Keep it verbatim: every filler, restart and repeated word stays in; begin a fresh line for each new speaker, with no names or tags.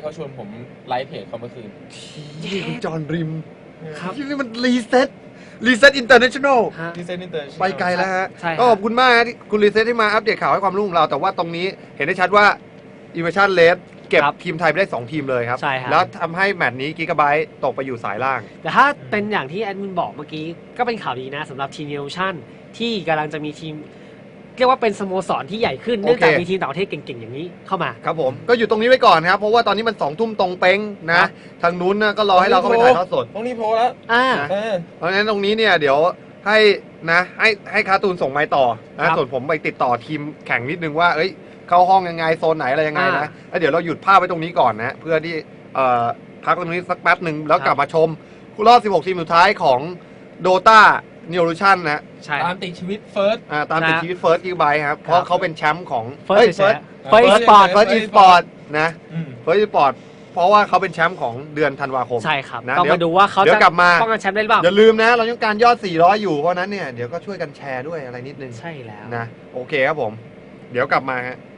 เขาชวนผมไลฟ์เพจเขาเมื่อคืน
ที่คุณจอห์นริม
ครับ
ที่นี่มันรีเซ็ตรีเซ็ตอินเตอร์เนชั่นแนล
ฮะ
ที่เซนต์อินเตอร์
ไปไกลแล้วฮะ
ใช่ครับ
ก็ขอบคุณมากฮะที่คุณรีเซ็ตที่มาอัปเดตข่าวให้ความรู้ของเรา แต่ว่าตรงนี้เห็นได้ชัดว่าอิ v เวชั่นเลสเก็บ
ครับ
ทีมไทยไปได้สองทีมเลยครับ
ใช่ครับ
แล้วทำให้แมตช์นี้กิกะไบต์ตกไปอยู่สายล่าง
แต่ถ้าเป็นอย่างที่แอดมินบอกเมื่อกี้ก็เป็นข่าวดีนะสำหรับทีมเนชั่นที่กำลังจะมีทีม เรียกว่าเป็นสโมสรที่ใหญ่ขึ้น
โอเค
เนื่องจากมีทีมต่างประเทศเก่งๆอย่างนี้เข้ามา
ครับผมก็อยู่ตรงนี้ไว้ก่อนนะครับ เพราะว่าตอนนี้มันสองทุ่มตรงเป้ง
ค
นะ
รับ
ทางนู้นนะก็รอให้เราเข้าไปถ่ายทอดสด
ต้องรีบโพลแล้ว
อ่า
นะ
เออ
เพราะฉะนั้นตรงนี้เนี่ยเดี๋ยวให้นะให้ให้คาร์ตูนส่งไม้ต่อ
ครั
นะ
บ
ส่วนผมไปติดต่อทีมแข่งนิดนึงว่าเอ้ยเข้าห้องยังไงโซนไหนอะไรยังไงนะ
อ่า
แล้วเดี๋ยวเราหยุดภาพไว้ตรงนี้ก่อนนะเพื่อที่เอ่อพักตรงนี้สักแป๊บหนึ่งแล้ว
ครับ
กลับมาชมรอบสิบหกทีมสุดท้ายของ Dota n e w r u t i o n นะ
ใช่
ตามติดชีวิตเฟิร์ส
อ่าตามติด
นะ
ชีวิต First Gigabyte ครับเพราะเขาเป็นแชมป์ของ
เฟิร์
เฮ้ย
สเฟิร์
First
ส
First
สปอร์ต
First Esport นะ
อืม
First Esport เพราะว่าเขาเป็นแชมป์ของเดือนธันวาคม
ใช่ครับ
นะ
ต้อง
เดี๋ยว
มาดูว่าเขา
เดี๋ยว
จะ
กลับมา
ป้องกันแชมป์ได้หรือเปล่า
อย่าลืมนะ เราต้องการยอด สี่ร้อย อยู่ เพราะนั้นเนี่ย เดี๋ยวก็ช่วยกันแชร์ด้วยอะไรนิดนึง
ใช่แล้ว
นะ โอเคครับผม เดี๋ยวกลับมาฮะ